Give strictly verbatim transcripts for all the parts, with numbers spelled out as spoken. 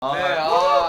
아, 네, 아,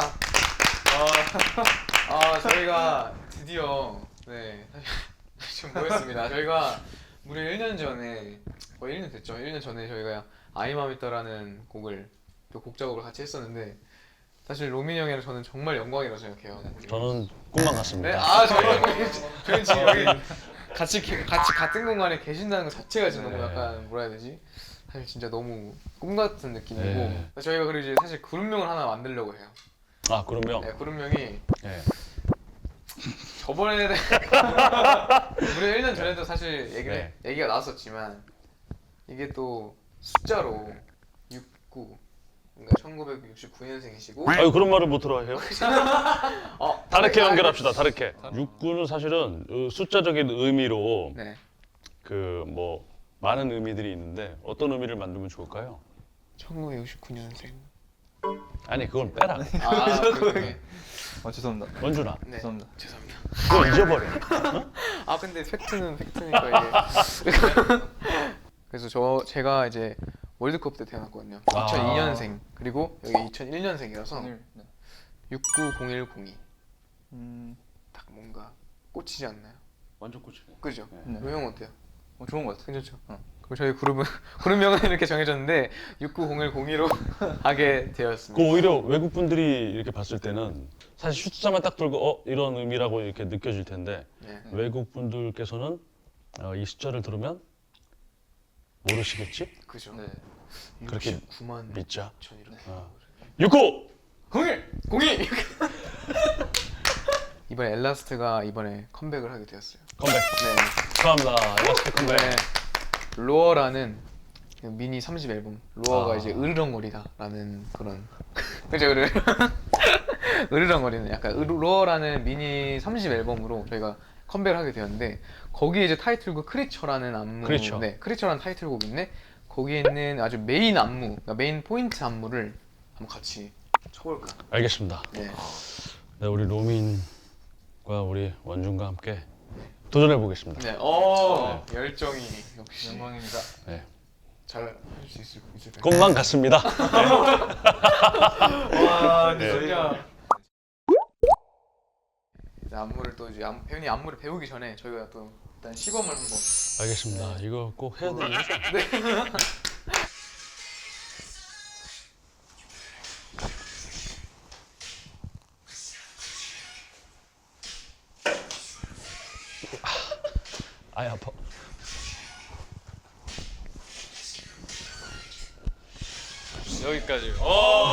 아, 아, 저희가 드디어 네 지금 모였습니다. 저희가 무려 일 년 전에 거의 일 년 됐죠. 일 년 전에 저희가 아이마미터라는 곡을 또 곡 작업을 같이 했었는데 사실 로민 형이랑 저는 정말 영광이라고 생각해요. 저는 꿈만 네, 같습니다. 아 저희가 저희 지금 여기 같이 게- 같이 같은 공간에 계신다는 것 자체가 지금 너무 네. 약간 뭐라 해야 되지? 사실 진짜 너무 꿈 같은 느낌이고 네. 저희가 그리고 이제 사실 그룹명을 하나 만들려고 해요. 아 그러면 네, 그룹명이 네. 저번에 무려 일 년 전에도 사실 얘기를 네. 얘기가 나왔었지만 이게 또 숫자로 육십구 그러니까 천구백육십구 년생이시고 아유 그런 말을 못 들어 해요? 어, 다르게 아, 연결합시다. 다르게. 육구는 사실은 어, 숫자적인 의미로 네. 그 뭐 많은 의미들이 있는데 어떤 의미를 만들면 좋을까요? 천구백육십구 년생. 아니 그건 빼라. 아, 그러네. 아 죄송합니다. 원준아, 네. 죄송합니다. 죄송합니다. 그거 잊어버려. 아 근데 팩트는 팩트니까 이게. 그래서 저 제가 이제 월드컵 때 태어났거든요. 아. 이천이 년생 그리고 여기 이천일 년생이라서 오늘 네. 육구 공일공이 음, 딱 뭔가 꽂히지 않나요? 완전 꽂히네. 그죠? 네. 형 어때요? 어, 좋은 것 같아. 괜찮죠? 어. 그럼 저희 그룹은 그룹명은 이렇게 정해졌는데 육구공일공이로 하게 그 되었습니다. 오히려 외국 분들이 이렇게 봤을 때는 사실 숫자만 딱 들고 어 이런 의미라고 이렇게 느껴질 텐데 네. 외국 분들께서는 어, 이 숫자를 들으면 모르시겠지? 그죠? 네. 그렇게 육십구만 믿자. 천 이렇게. 어. 육구. 공일 공이 이번에 엘라스트가 이번에 컴백을 하게 되었어요. 컴백. 네. 축하합니다. 엘라스틱 컴백. 네. 로어라는 그 미니 삼 집 앨범 로어가 아. 이제 으르렁거리다라는 그런 그죠 으르 으르렁거리는 약간 으- 로어라는 미니 삼 집 앨범으로 저희가 컴백을 하게 되었는데 거기에 이제 타이틀곡 크리처라는 안무 크리처. 네 크리처라는 타이틀곡인데 거기에 있는 아주 메인 안무 그러니까 메인 포인트 안무를 한번 같이 쳐볼까. 알겠습니다. 네. 네, 우리 로민과 우리 원준과 함께 도전해 보겠습니다. 네. 어 열정이 역시 영광입니다. 네. 잘 할 수 있을 있을까요? 꿈만 같습니다. 와, 네. 진짜. 이제 안무를 또 이제 안, 배우님 안무를 배우기 전에 저희가 또 일단 시범을 한번. 알겠습니다. 이거 꼭 해야 되는 거죠? 아이 아파. 여기까지.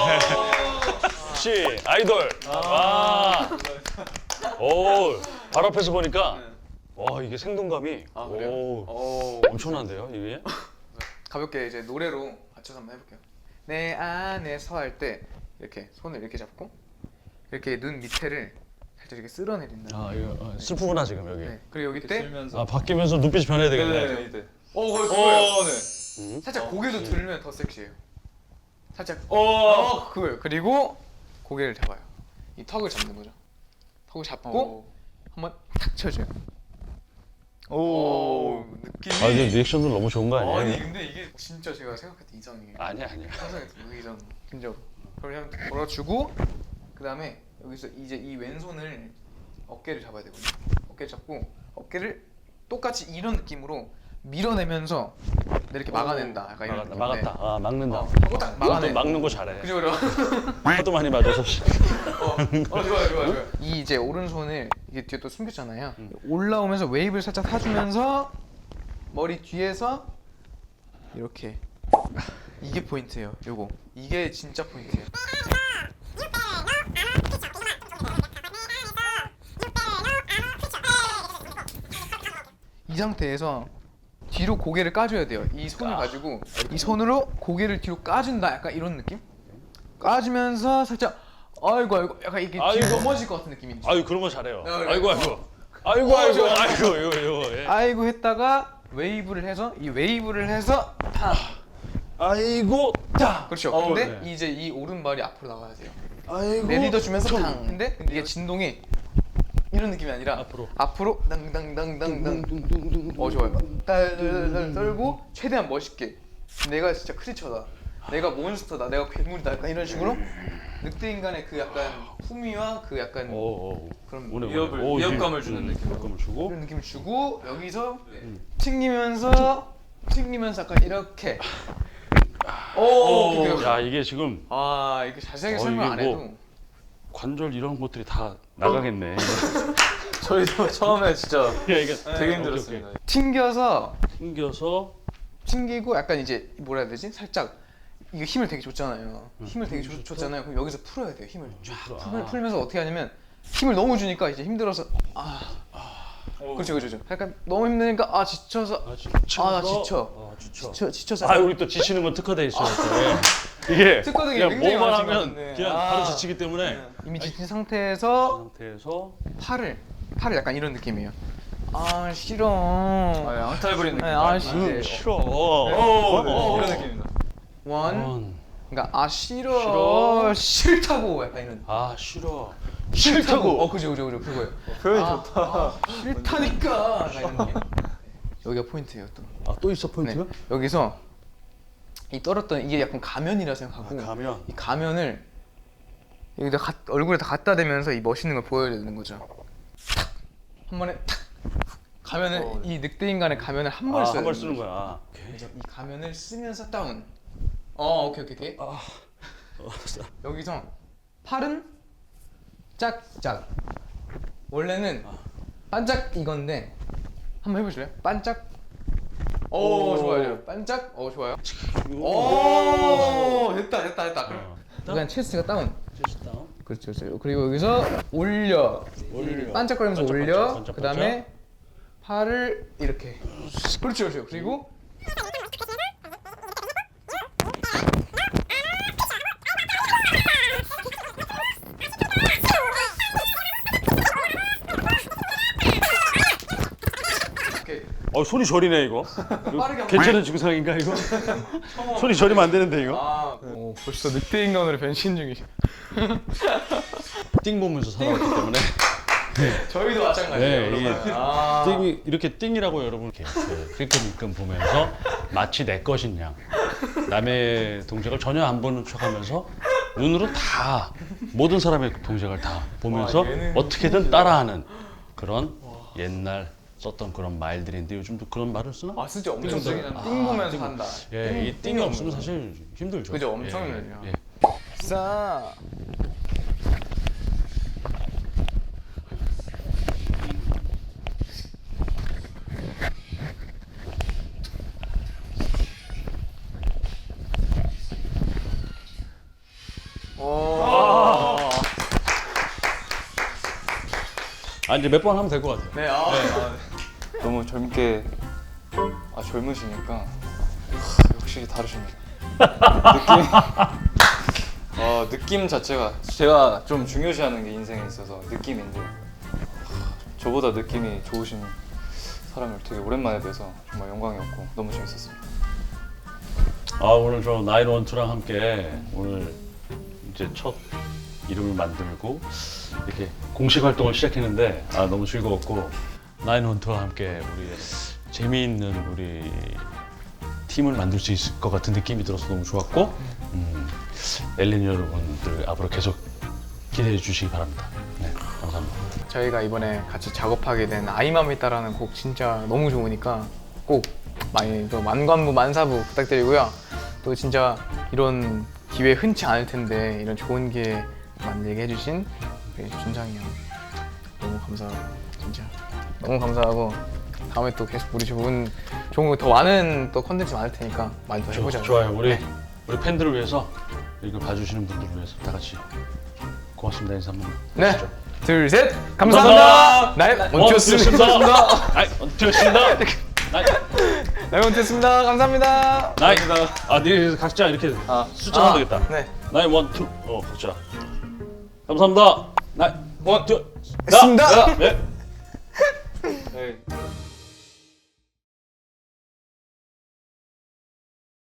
혹시 아이돌. 아. 오, 바로 앞에서 보니까 와 이게 생동감이 아 그래요? 오, 오. 엄청난데요 이게? 가볍게 이제 노래로 맞춰서 한번 해볼게요. 내 안에서 할 때 이렇게 손을 이렇게 잡고 이렇게 눈 밑에를 살짝 이렇게 쓸어내린다. 아 이거 어, 슬프구나 지금 여기. 네. 그리고 여기 때, 들면서. 아 바뀌면서 눈빛이 변해야 되겠네. 네, 네. 어 거의 그거예요. 오, 네. 음? 살짝 고개도 들면 더 섹시해요. 살짝. 오. 어 그거예요. 그리고 고개를 잡아요. 이 턱을 잡는 거죠. 턱을 잡고 오. 한번 탁 쳐줘요. 오. 오, 느낌이. 아 이제 리액션도 너무 좋은 거 아니에요? 아니 근데 이게 진짜 제가 생각했던 이상이에요. 아니야 아니야. 상상했던 그 이상 진짜로. 그럼 그냥 걸어주고 그 다음에 여기서 이제 이 왼손을 어깨를 잡아야 되거든요. 어깨 잡고 어깨를 똑같이 이런 느낌으로 밀어내면서 이렇게 막아낸다. 약간 이런 막았다 느낌. 막았다. 네. 아 막는다. 어, 하고 딱 그것도 막아내. 막는 거 잘해. 그죠 그죠. 하도 많이 맞아서. 어, 어 좋아요 좋아요 좋아요. 이 이제 오른손을 이게 뒤에 또 숨겼잖아요. 올라오면서 웨이브를 살짝 타주면서 머리 뒤에서 이렇게 이게 포인트예요. 요거 이게 진짜 포인트예요. 이 상태에서 뒤로 고개를 까줘야 돼요. 이 손을 가지고 이 손으로 고개를 뒤로 까준다. 약간 이런 느낌? 까주면서 살짝 아이고 아이고 약간 이게 뒤로 아이고. 넘어질 것 같은 느낌인지. 아유 그런 거 잘해요. 네, 그래. 아이고 아이고. 아이고 아이고 아이고 이거 이거. 예. 아이고 했다가 웨이브를 해서 이 웨이브를 해서 타. 아이고 딱. 그렇죠. 어, 근데 네. 이제 이 오른발이 앞으로 나와야 돼요. 아이고. 내리더 주면서 탕. 근데 이게 진동이 이런 느낌이 아니라 앞으로. 앞으로 당당당당당. 어 좋아요. 딸딸딸 떨고 최대한 멋있게. 내가 진짜 크리처다. 내가 몬스터다. 내가 괴물이다. 약간 이런 식으로 늑대 인간의 그 약간 품위와 그 약간 오, 오. 그런 오네, 위협을- 오네. 오, 위협감을 이- 주는 음, 느낌. 위협감을 주고. 이런 느낌을 주고 여기서 튕기면서 튕기면서 약간 이렇게. 오, 오. 오케이, 오케이. 야 이게 지금 아 이게 자세하게 어, 설명 이게 안 해도 뭐- 관절 이런 것들이 다 나가겠네. 저희도 처음에 진짜 야 이게 되게 힘들었습니다. 튕겨서 튕겨서 튕기고 약간 이제 뭐라 해야 되지? 살짝 이거 힘을 되게 줬잖아요. 힘을 되게 줬- 줬잖아요. 그럼 여기서 풀어야 돼요. 힘을 쫙 풀, 아. 풀면서 어떻게 하냐면 힘을 너무 주니까 이제 힘들어서 아 오. 그렇죠 그렇죠. 약간 너무 힘드니까 아 지쳐서 아, 지쳐서 아, 나 지쳐. 아, 지쳐. 지쳐 지쳐서 아 우리 또 지치는 건 특화돼 있어요. 또. 예. 이게 특화되게 그냥 굉장히 뭐만 많으신 것 하면 같은데. 그냥 아. 바로 지치기 때문에 이미 지친 그 상태에서 상태에서 팔을 팔을 약간 이런 느낌이에요. 아 싫어. 아, 양탈 부리는 느낌. 네, 아, 씨. 음, 네. 싫어. 오, 어, 네, 어. 이런 느낌입니다. 원 원. 그러니까 아 싫어 싫어. 싫다고 약간 이런 아 싫어. 싫다고 어 그죠 그죠 그죠 그거예요. 표현이 아, 좋다. 아, 싫다니까 약간 이런 느낌. 여기가 포인트예요 또. 아또 있어 포인트가? 네. 여기서 이 떨었던 이게 약간 가면이라 생각하고 아, 가면. 이 가면을 여기다 가, 얼굴에 다 갖다 대면서 이 멋있는 걸 보여야 되는 거죠. 탁! 한 번에 탁! 가면을 어, 네. 이 늑대 인간의 가면을 한 번 아, 써야 한 번 되는 쓰는 거죠. 거야. 오케이. 그래서 이 가면을 쓰면서 다운. 어 오케이 오케이 오케이. 아. 알았어. 여기서 팔은 짝짝. 원래는 반짝 이건데 한번 해보실래요? 반짝. 오, 오. 좋아요. 반짝. 오 좋아요. 오 됐다 됐다 됐다. 어. 그냥 체스트가 다운. 체스트 다운. 그렇죠, 그렇죠. 그리고 여기서 올려. 올려. 반짝거리면서 반짝, 올려. 반짝, 반짝, 그 다음에 팔을 이렇게. 그렇죠, 그렇죠. 그리고 이렇게 어 손이 저리네 이거. 빠르게 괜찮은 증상인가 이거? 손이 저리면 안 되는데 이거? 아, 오, 벌써 늑대 인간으로 변신 중이시. 띵 보면서 살아왔기 때문에. 저희도 마찬가지예요. 네, 여러분. 이게 아, 띵이 이렇게 띵이라고 여러분 이렇게 힐끔힐끔 보면서 마치 내 것인 양 남의 동작을 전혀 안 보는 척하면서 눈으로 다 모든 사람의 동작을 다 보면서 와, 얘는 어떻게든 따라하는 그런 옛날 썼던 그런 말들인데 요즘도 그런 말을 쓰나? 아 진짜 엄청 띵. 띵 아, 보면서 띵. 한다. 예, 띵, 이 띵이 띵이 없으면 없는 사실 힘들죠. 그죠, 엄청 예, 힘들죠. 예. 싸. 오. 아 이제 몇 번 하면 될 것 같아요. 네, 아. 너무 젊게 아 젊으시니까 하, 역시 다르십니다. 느낌 어 느낌 자체가 제가 좀 중요시하는 게 인생에 있어서 느낌인데 하, 저보다 느낌이 좋으신 사람을 되게 오랜만에 뵈서 정말 영광이었고 너무 재밌었습니다. 아 오늘 저 나인원투랑 함께 오늘 이제 첫 이름을 만들고 이렇게 공식 활동을 시작했는데 아 너무 즐거웠고 나인원투와 함께 우리 재미있는 우리 팀을 만들 수 있을 것 같은 느낌이 들어서 너무 좋았고 음, 엘린 여러분들 앞으로 계속 기대해 주시기 바랍니다. 네 감사합니다. 저희가 이번에 같이 작업하게 된 아이맘이따라는 곡 진짜 너무 좋으니까 꼭 많이 또 만관부 만사부 부탁드리고요. 또 진짜 이런 기회 흔치 않을 텐데 이런 좋은 기회 만들게 해주신 우리 준상이 형 너무 감사하고 진짜 너무 감사하고 다음에 또 계속 우리 좋은 좋은 거 더 많은 또 컨텐츠 많을 테니까 많이 더 해보자. 좋아요. 우리 네. 우리 팬들을 위해서 이거 봐주시는 분들을 위해서 다 같이 고맙습니다 인사 한번 네. 해주시죠. 둘, 셋, 감사합니다. 네, 원투였습니다. 아이 원투였습니다. 나이 네, 원투였습니다. 감사합니다. 나이 아 네 각자 이렇게 아, 숫자 아, 하면 되겠다. 네. 나이 원투 어 각자 감사합니다. 나이 원투 했습니다. 네.